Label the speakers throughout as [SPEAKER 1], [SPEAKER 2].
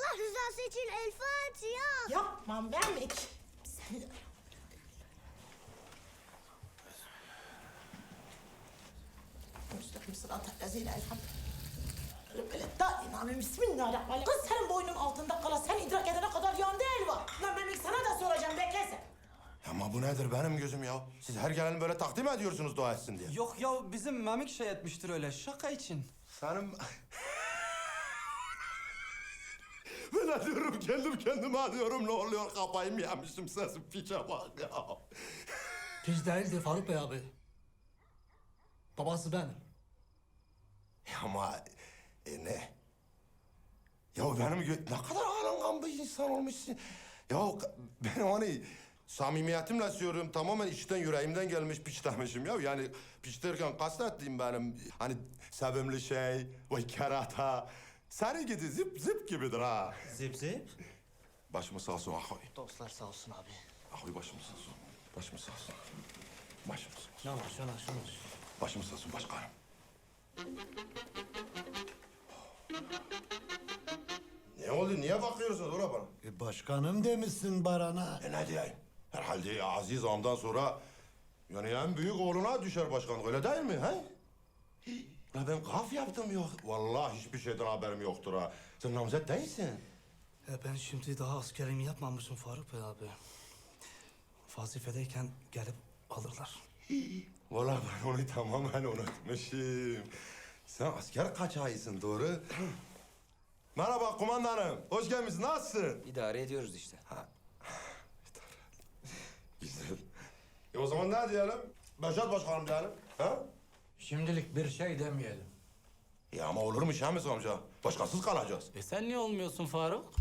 [SPEAKER 1] Allah rızası için El Fatiha.
[SPEAKER 2] Yapmam Mehmet. Seni de... Müstakil sırat-ı lezîle elhamdülillah. Bismillahirrahmanirrahim. Kız senin boynun altında kala sen idrak edene kadar yandı elva. Lan Mehmet sana da soracağım bekle sen.
[SPEAKER 3] Ama bu nedir benim gözüm ya? Siz her gelen böyle takdim ediyorsunuz dua etsin diye.
[SPEAKER 4] Yok ya bizim Memik şey etmiştir öyle şaka için.
[SPEAKER 3] Senin... Ben diyorum kendim kendime diyorum ne oluyor kafayı mı yemişim sesim piçe bak ya.
[SPEAKER 5] Piç değildi Faruk Bey abi. Babası benim.
[SPEAKER 3] Ama ne? Ya benim ne kadar alıngan bir insan olmuşsun. Ya ben hani samimiyetimle söylüyorum tamamen içten yüreğimden gelmiş piç demişim ya. Yani piç derken kastettiğim benim hani sevimli şey, vay kerata. Senin gibi zip zip gibidir ha.
[SPEAKER 4] Zip zip.
[SPEAKER 3] Başımız sağ olsun ahoy.
[SPEAKER 5] Dostlar sağ olsun abi.
[SPEAKER 3] Ahoy başımız sağ olsun. Başımız sağ olsun. Başımız sağ olsun.
[SPEAKER 5] Şuna.
[SPEAKER 3] Başımız sağ olsun başkanım. Ne oldu? Niye bakıyorsunuz oraya bana?
[SPEAKER 6] Başkanım demişsin Baran'a.
[SPEAKER 3] Ne diyeyim? Herhalde Aziz Ağam'dan sonra yani en büyük oğluna düşer başkanlık öyle değil mi? He? Ya ben kaf yaptım yok. Vallahi hiçbir şeyden haberim yoktur ha. Sen namzet değilsin.
[SPEAKER 5] Ben şimdi daha askerimi yapmamışım Faruk Bey abi. Vazifedeyken gelip alırlar.
[SPEAKER 3] Vallahi ben onu tamamen unutmuşum. Sen asker kaçağısın doğru. Merhaba kumandanım. Hoş gelmişsin. Nasılsın?
[SPEAKER 4] İdare ediyoruz işte.
[SPEAKER 3] Güzel. O zaman ne diyelim? Beşat başkanım diyelim. Ha?
[SPEAKER 7] Şimdilik bir şey demeyelim.
[SPEAKER 3] Ya ama olur mu Şamis amca? Başkasız kalacağız.
[SPEAKER 7] Sen niye olmuyorsun Faruk?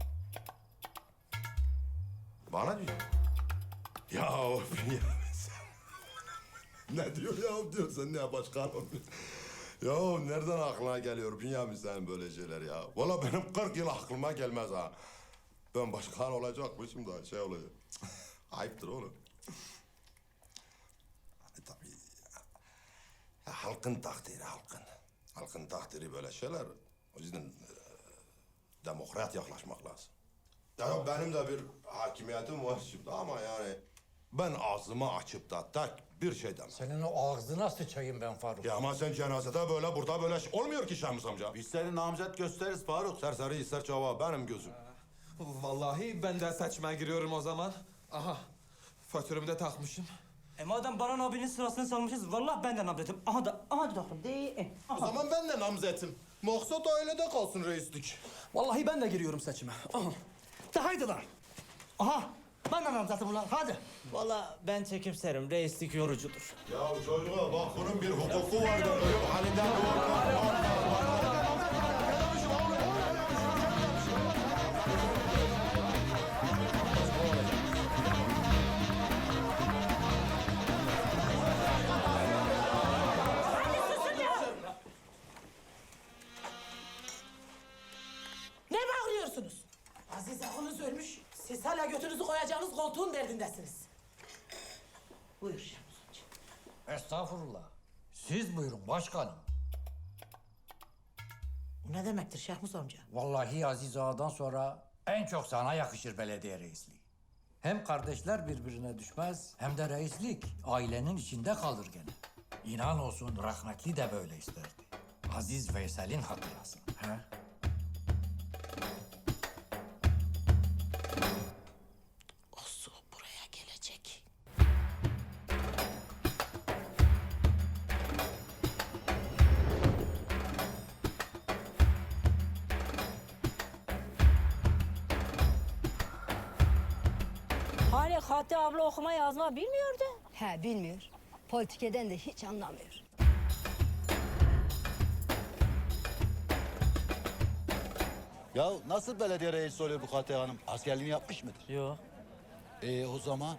[SPEAKER 3] Bana diyor. Ya sen... Ne diyor ya diyor sen ne başkanım? Ya nereden aklına geliyor Bünyamin senin böyle şeyler ya? Vallahi benim 40 yıl aklıma gelmez ha. Ben başkan olacakmışım da şey olacak. Ayıptır oğlum. Hani tabii ya, halkın takdiri halkın. Halkın takdiri böyle şeyler. O yüzden demokrat yaklaşmak lazım. Ya benim de bir hakimiyetim var şimdi ama yani ben ağzımı açıp da tek bir şey demem.
[SPEAKER 7] Senin o ağzına sıçayım ben Faruk.
[SPEAKER 3] Ya ama sen cenazede böyle burada böyle olmuyor ki Şemus amca. Biz seni namzet gösteririz Faruk. Serseri ister çava benim gözüm.
[SPEAKER 4] Vallahi ben de seçmeye giriyorum o zaman. Aha faturamı da takmışım.
[SPEAKER 8] Madem Baran abinin sırasını salmışız, vallahi ben de nabzetim. Aha da doktor değil.
[SPEAKER 3] O zaman ben de namzetim. Maksat ailede kalsın reislik.
[SPEAKER 5] Vallahi ben de giriyorum seçime. Aha. De haydi lan. Aha. Ben de namzatım ulan hadi.
[SPEAKER 8] Vallahi ben çekimserim, reislik yorucudur.
[SPEAKER 3] Ya çocuğa bak bunun bir hukuku var da ölüm halinden
[SPEAKER 2] Ne bağırıyorsunuz? Aziz ağanız ölmüş. Siz hala götünüzü koyacağınız koltuğun derdindesiniz. Buyur Şemus amca.
[SPEAKER 7] Estağfurullah. Siz buyurun başkanım.
[SPEAKER 2] Bu ne demektir Şehmus amca?
[SPEAKER 7] Vallahi Aziz Ağa'dan sonra en çok sana yakışır belediye reisliği. Hem kardeşler birbirine düşmez hem de reislik ailenin içinde kalır gene. İnan olsun rahmetli de böyle isterdi. Aziz Veysel'in hatırası. He?
[SPEAKER 2] O su buraya gelecek.
[SPEAKER 9] Hani Hatice abla okuma yazma bilmiyordu.
[SPEAKER 10] He bilmiyor. Politikeden de hiç anlamıyor.
[SPEAKER 6] Ya nasıl belediye reisi oluyor bu Fatih Hanım? Askerliğini yapmış mıdır?
[SPEAKER 8] Yok.
[SPEAKER 6] O zaman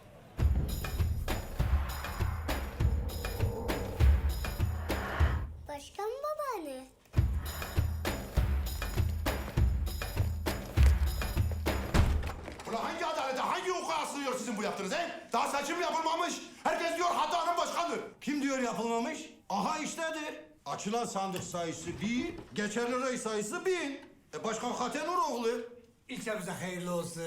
[SPEAKER 1] Başkan babaanne.
[SPEAKER 3] Ulan hangi adalete, hangi hukuka sığıyor sizin bu yaptığınız he? Daha seçim yapılmamış. Herkes diyor hatanın başkandır.
[SPEAKER 5] Kim diyor yapılmamış? Aha iştedir. Açılan sandık sayısı 1, geçerli rey sayısı 1000. Başkan Hatenuroğlu. İlçemize hayırlı olsun.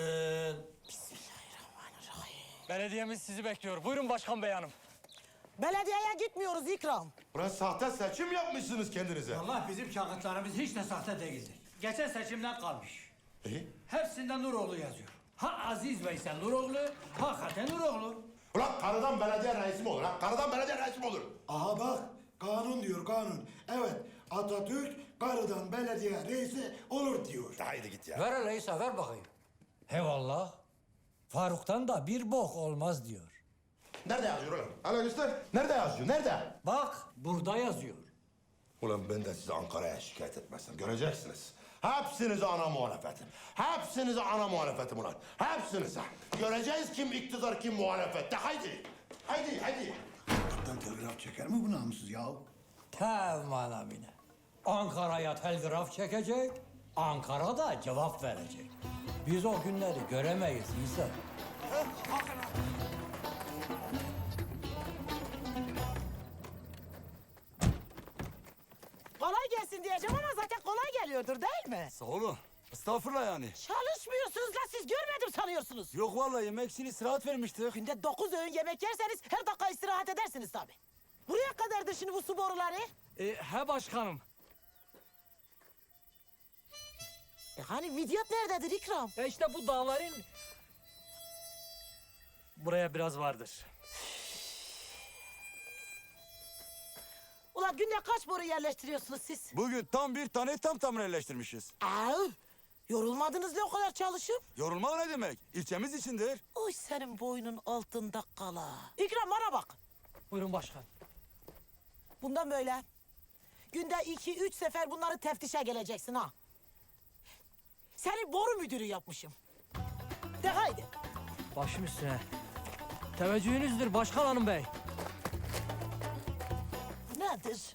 [SPEAKER 8] Belediyemiz sizi bekliyor. Buyurun başkan bey hanım.
[SPEAKER 2] Belediyeye gitmiyoruz İkram.
[SPEAKER 3] Ulan sahte seçim yapmışsınız kendinize.
[SPEAKER 5] Allah bizim kağıtlarımız hiç de sahte değildir. Geçen seçimden kalmış.
[SPEAKER 3] İyi.
[SPEAKER 5] Hepsinde Nuroğlu yazıyor. Ha Aziz Veysel Nuroğlu, hakikaten Nuroğlu.
[SPEAKER 3] Ulan karıdan belediye reisi mi olur ha? Karıdan belediye reisi mi olur?
[SPEAKER 11] Aha bak, kanun diyor kanun. Evet, Atatürk karıdan belediye reisi olur diyor.
[SPEAKER 3] Haydi git ya.
[SPEAKER 7] Ver öyleyse ver bakayım. Hevallah. Faruk'tan da bir bok olmaz diyor.
[SPEAKER 3] Nerede yazıyor ulan? Hala göster. Nerede yazıyor? Nerede?
[SPEAKER 7] Bak burada yazıyor.
[SPEAKER 3] Ulan ben de sizi Ankara'ya şikayet etmezsem göreceksiniz. Hepsinize ana muhalefetim. Hepsinize ana muhalefetim ulan. Hepsinize. Göreceğiz kim iktidar kim muhalefet. De haydi. Haydi haydi.
[SPEAKER 11] Kaptan telgraf çeker mi bu namussuz ya?
[SPEAKER 7] Tamam amine. Ankara'ya telgraf çekecek, Ankara da cevap verecek. Biz o günleri göremeyiz İsa.
[SPEAKER 2] Kolay gelsin diyeceğim ama zaten kolay geliyordur değil mi?
[SPEAKER 6] Sağ olun. Estağfurullah yani.
[SPEAKER 2] Çalışmıyorsunuz la siz görmedim sanıyorsunuz.
[SPEAKER 6] Yok vallahi yemek için istirahat vermiştik.
[SPEAKER 2] Günde 9 öğün yemek yerseniz her dakika istirahat edersiniz tabii. Buraya kadardır şimdi bu su boruları.
[SPEAKER 8] He başkanım.
[SPEAKER 2] Hani vidyat nerededir İkram?
[SPEAKER 8] İşte bu dağların... Buraya biraz vardır.
[SPEAKER 2] Ulan günde kaç boru yerleştiriyorsunuz siz?
[SPEAKER 6] Bugün tam bir tane tam tamir yerleştirmişiz.
[SPEAKER 2] Yorulmadınız ne o kadar çalışıp?
[SPEAKER 6] Yorulmak ne demek? İlçemiz içindir.
[SPEAKER 2] Oy senin boynun altında kala. İkram bana bak.
[SPEAKER 8] Buyurun başkan.
[SPEAKER 2] Bundan böyle günde 2-3 sefer bunları teftişe geleceksin ha. Seni boru müdürü yapmışım. De haydi.
[SPEAKER 8] Başım üstüne. Teveccühünüzdür başkan hanım bey.
[SPEAKER 2] Nedir?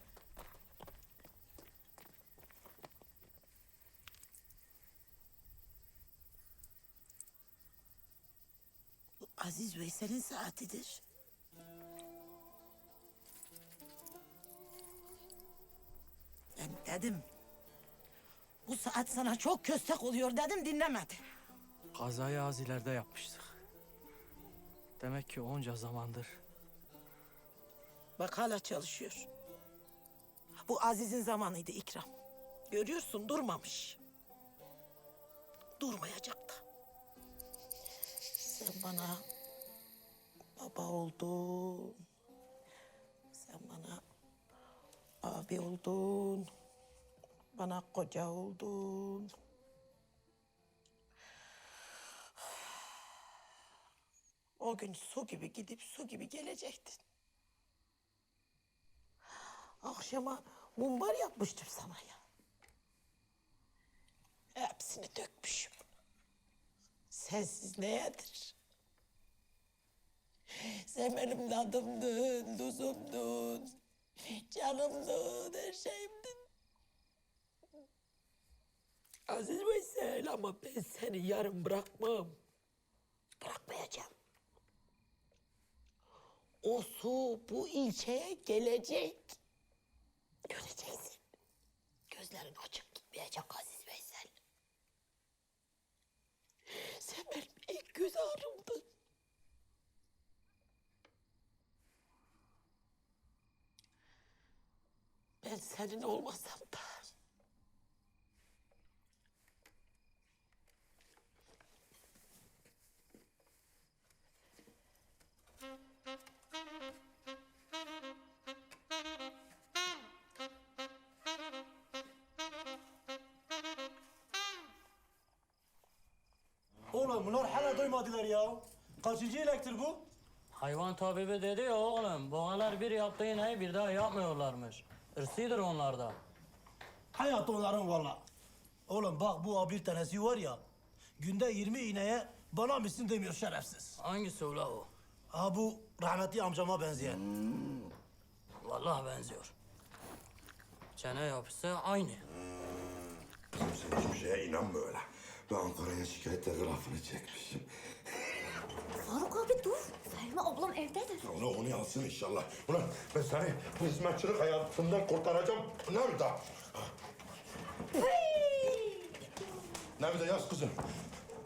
[SPEAKER 2] Bu Aziz Veysel'in saatidir. Ben dedim. Bu saat sana çok köstek oluyor dedim dinlemedi.
[SPEAKER 8] Kazayı az ileride yapmıştık. Demek ki onca zamandır.
[SPEAKER 2] Bak hala çalışıyor. Bu Aziz'in zamanıydı İkram. Görüyorsun durmamış. Durmayacak da. Sen bana baba oldun. Sen bana abi oldun. Bana koca oldun. O gün su gibi gidip su gibi gelecektin. Akşama mumbar yapmıştım sana ya. Hepsini dökmüşüm. Sensiz ne yedir? Sen benim tadımdın, tuzumdun, canımdın, her şeyimdin. Aziz Veysel ama ben seni yarın bırakmam. Bırakmayacağım. O su bu ilçeye gelecek. Göreceksin. Gözlerin açık gitmeyecek Aziz Veysel. Sen benim ilk göz ağrımdın. Ben senin olmasam da...
[SPEAKER 5] Oğlum bunlar hala doymadılar ya. Kaçıncı elektir bu?
[SPEAKER 8] Hayvan tabibi dedi ya oğlum. Boğalar bir yaptığı ineği bir daha yapmıyorlarmış. Irsidir onlarda.
[SPEAKER 5] Hayat onların valla. Oğlum bak bu bir tanesi var ya. Günde 20 ineğe bana mısın demiyor şerefsiz.
[SPEAKER 8] Hangisi ula o?
[SPEAKER 5] Ha bu rahmetli amcama benzeyen.
[SPEAKER 8] Vallahi benziyor. Çene yapısı aynı.
[SPEAKER 3] Sen hiçbir şeye inanma öyle. Ben Ankara'ya şikayet telgrafını çekmişim.
[SPEAKER 1] Faruk abi dur. Selma ablam evdedir.
[SPEAKER 3] Onu yansın inşallah. Ulan ben seni hizmetçilik hayatından kurtaracağım. Nerede? Ne bir de yaz kızım.